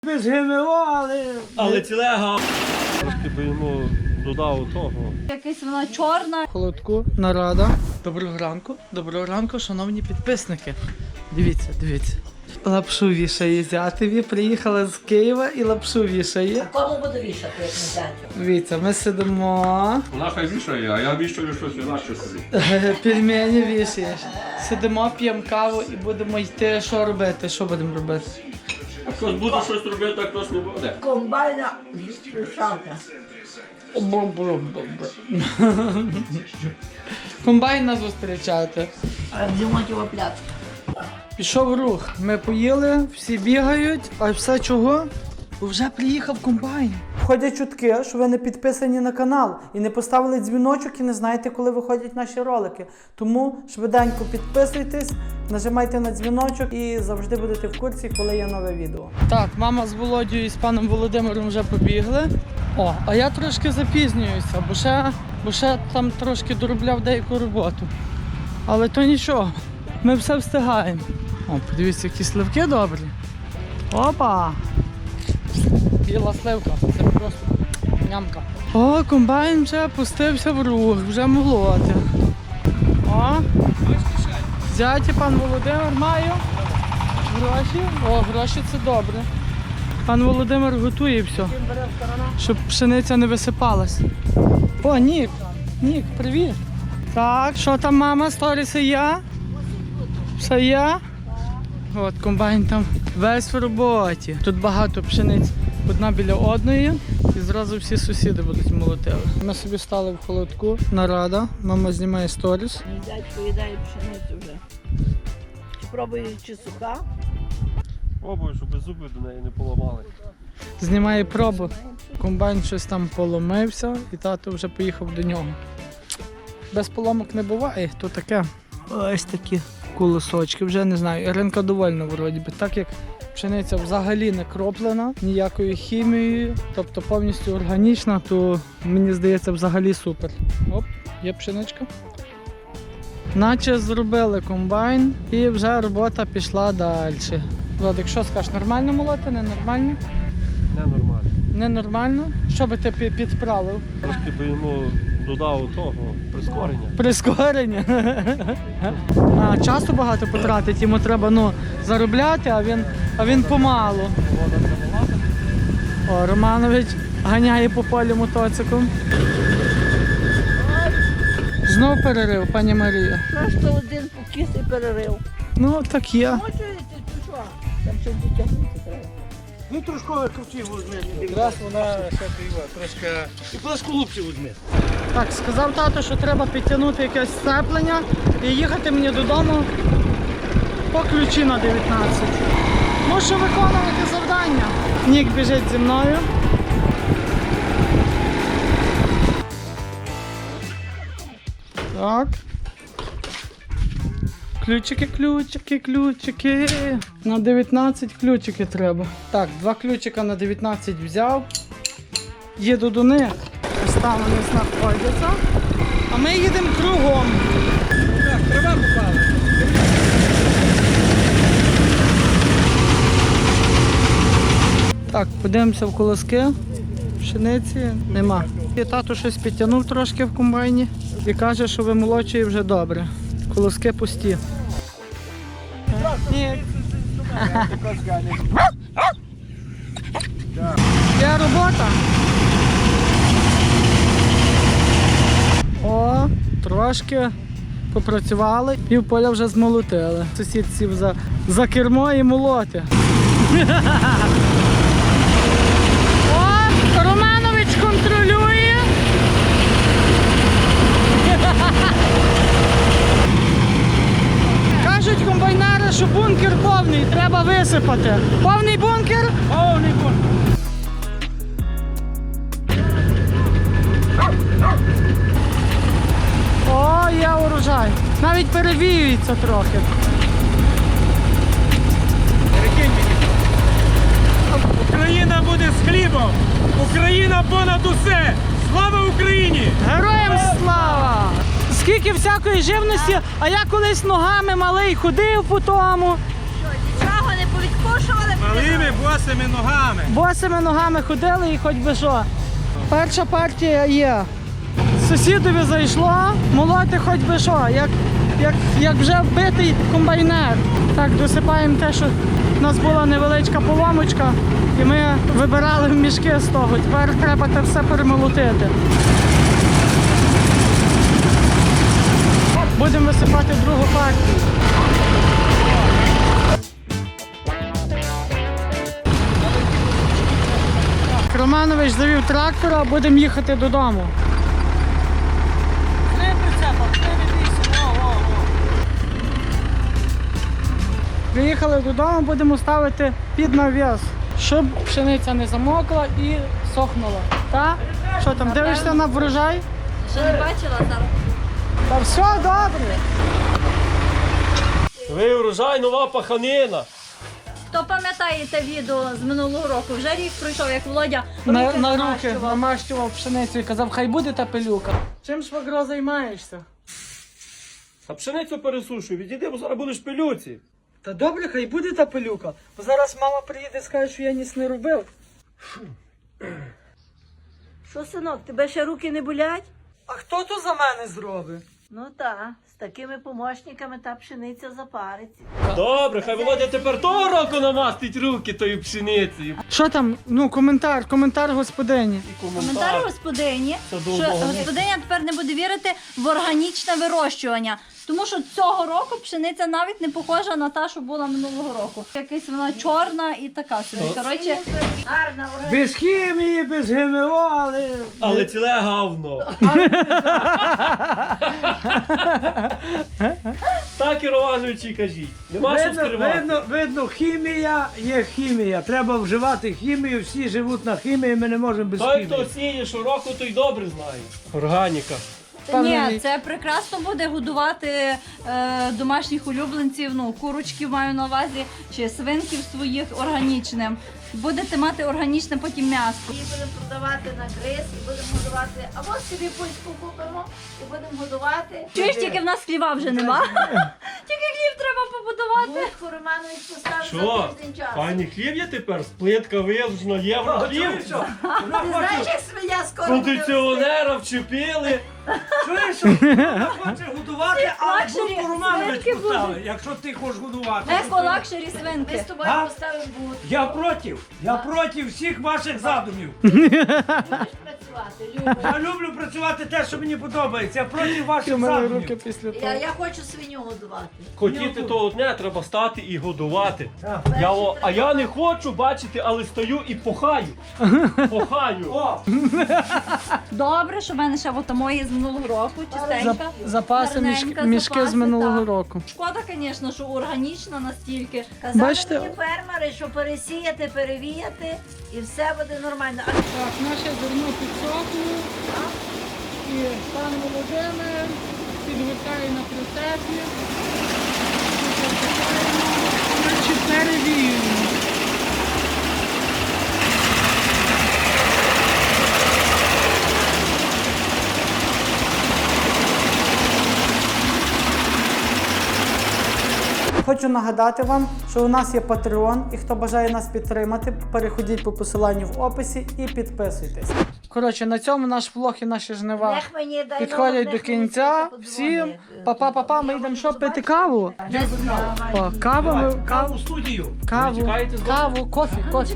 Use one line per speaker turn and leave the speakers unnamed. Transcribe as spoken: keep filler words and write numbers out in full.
Без ГМО, але...
Але цілего. Трошки би йому додав того.
Якась вона чорна.
Холодку, нарада. Доброго ранку. Доброго ранку, шановні підписники. Дивіться, дивіться. Лапшу вішає зятеві. Приїхала з Києва і лапшу вішає.
Кому буде вішати, як не зятю?
Дивіться, ми сидимо.
Вона хай вішає, а я вішаю щось інакше собі.
Пельмені вішаєш. Сидимо, п'ємо каву і будемо йти. Що робити? Що будемо робити?
А хтось буде щось робити, а хтось не буде.
Комбайна шавка.
Комбайна зустрічати.
А зимотіва пляцка.
Пішов рух. Ми поїли, всі бігають, а все чого? Бо вже приїхав комбайн. Ходять чутки, що ви не підписані на канал і не поставили дзвіночок і не знаєте, коли виходять наші ролики. Тому швиденько підписуйтесь, нажимайте на дзвіночок і завжди будете в курсі, коли є нове відео. Так, мама з Володією і з паном Володимиром вже побігли. О, а я трошки запізнююся, бо ще, бо ще там трошки доробляв деяку роботу. Але то нічого, ми все встигаємо. О, подивіться, які сливки добрі. Опа! Біла сливка, це просто нямка. О, комбайн вже пустився в рух, вже молоти. О, зяті пан Володимир маю. Гроші. О, гроші це добре. Пан Володимир готує все, щоб пшениця не висипалась. О, Нік, Нік, привіт. Так, що там мама, сторіси я? Все я? От комбайн там весь в роботі. Тут багато пшениць одна біля одної і зразу всі сусіди будуть молотили. Ми собі стали в холодку, нарада, мама знімає сторіс.
Мій дядько їдає пшеницю вже. Чи пробує, чи суха?
Пробую, щоб зуби до неї не поламали.
Знімає пробу. Комбайн щось там поломився і тато вже поїхав до нього. Без поломок не буває, то таке. Ось такі колосочки, вже не знаю. Іринка довольна вроді би, так як пшениця взагалі не кроплена, ніякою хімією, тобто повністю органічна, то мені здається взагалі супер. Оп, є пшеничка. Наче зробили комбайн і вже робота пішла далі. Владик, що скажеш, нормально молоти, ненормально?
Ненормально.
Ненормально? Що би ти пі- підправив?
Трошки би йому додав того прискорення.
Прискорення. А, часу багато потратить, йому треба ну, заробляти, а він, а він помалу. О, Романович ганяє по полю мотоциклом. Знов перерив, пані Марія.
Просто один покіс і перерив.
Ну, так є.
Хочете, ти що? Там ще дотягнути треба.
Ну трошки крутів візьми. Якраз вона ще піва, трошки. І плашку глубше візьми.
Так, сказав тато, що треба підтягнути якесь сцеплення і їхати мені додому по ключі на дев'ятнадцять. Мушу виконувати завдання. Нік біжить зі мною. Так. Ключики, ключики, ключики. На дев'ятнадцять ключики треба. Так, два ключика на дев'ятнадцять взяв. Їду до них. Ось там вони знаходяться. А ми їдемо кругом.
Так, трава попала.
Так, подивимося в колоски. Пшениці нема. І тато щось підтягнув трошки в комбайні і каже, що вимолочує вже добре. Колоски пусті. Ні. Є робота. О, трошки попрацювали, пів поля вже змолотили. Сусід сів за, за кермо і молоти. О, Романович контролює. Кажуть комбайнери, що бункер повний, треба висипати. Повний бункер?
Повний бункер.
О, є урожай. Навіть перевіюється трохи.
Україна буде з хлібом. Україна понад усе. Слава Україні!
Героям слава! Скільки всякої живності, а я колись ногами малий ходив по тому.
Нічого не повідкушували.
Малими босими ногами.
Босими ногами ходили і хоч би що. Перша партія є. Сусідові зайшло, молоти хоч би що, як, як, як вже вбитий комбайнер. Так, досипаємо те, що в нас була невеличка поломочка, і ми вибирали в мішки з того. Тепер треба це все перемолотити. Будемо висипати другу партію. Романович завів трактора, будемо їхати додому. Приїхали додому, будемо ставити під навіс, щоб пшениця не замокла і сохнула. Так? Що там, дивишся на врожай?
Ще не бачила зараз.
Та все добре.
Ви урожай, нова паханина.
Хто пам'ятає те відео з минулого року? Вже рік пройшов, як Володя
На,
руки
на руки
намащував.
намащував пшеницю і казав, хай буде та пилюка. Чим швагро займаєшся?
А пшеницю пересушуй, відійди, бо зараз будеш пилюці.
Та добре, хай буде та пилюка. Бо зараз мама приїде і скаже, що я ніс не робив.
Що, синок, тебе ще руки не болять?
А хто то за мене зробить?
Ну так, з такими помощниками та пшениця запариться.
Добре, хай Володя тепер того року намастить руки тою пшеницею.
Що там? Ну, коментар, коментар господині.
І
Коментар господині,
Це
що
довго.
господиня тепер не буде вірити в органічне вирощування. Тому що цього року пшениця навіть не похожа на та, що була минулого року. Якась вона чорна і така собі. Коротше,
Гарна ура.
Без хімії, без ГМО, але...
Але ціле гавно. Так і Романовичі кажіть. Нема що
Видно,
скривати.
видно, видно, хімія є хімія. Треба вживати хімію, всі живуть на хімії, ми не можемо без
Той, хто
хімії.
сіє щороку, той добре знає. Органіка.
ні, це прекрасно буде годувати е, домашніх улюбленців, ну, курочків маю на увазі, чи свинків своїх органічним. Будете мати органічне потім м'ясо.
Її будемо продавати на гриз і будемо годувати. Або собі пуську купимо і будемо годувати.
Чуєш, тільки в нас хліба вже нема. Тільки хліб треба побудувати.
Будку Романович поставив
Що?
за тиждень часу.
Файний хліб є тепер? Плитка вилучена, євро хліб.
Ти знаєш, як свиня скоро буде
Кондиціонера вчепили.
Чуєш, що вона хоче годувати, а
лакшері
будку Романович
свинки
поставив, якщо ти хочеш годувати.
Еко-лакшері
Ми з
свинки.
тобою
А?
поставимо будку.
Я проти, я проти всіх ваших задумів.
Будеш працювати, Люба.
Я люблю працювати те, що мені подобається, я проти
Ти
ваших
мили руки
задумів.
після того.
Я, я хочу свиню годувати.
Хотіти того дня треба стати і годувати.
Так.
Я, о, а я не хочу бачити, але стою і похаю. Похаю.
О,
Добре, що в мене ще от мої з минулого року, чистенька.
Запаси, мішки,
гарненька,
мішки з
запаси,
минулого
так.
року.
Шкода, звісно, що органічна настільки.
Казали
Бачите?
мені фермери, що пересіяти, перевіяти і все буде нормально. А
Так, наше зерно підсохло. І пан Володимир підгортає на прицепі. Значить, перевіюємо. Хочу нагадати вам, що у нас є Patreon, і хто бажає нас підтримати, переходіть по посиланню в описі і підписуйтесь. Коротше, на цьому наш влог і наші жнива
Нех мені дай
підходять
Бог,
до
нех мені
кінця.
хтось
Всім
подзвонить.
па-па-па-па, ми йдемо що пити каву.
Десь
О, каву, ми-
каву в студію.
каву,
чекаєте з
каву, кофі, кофі.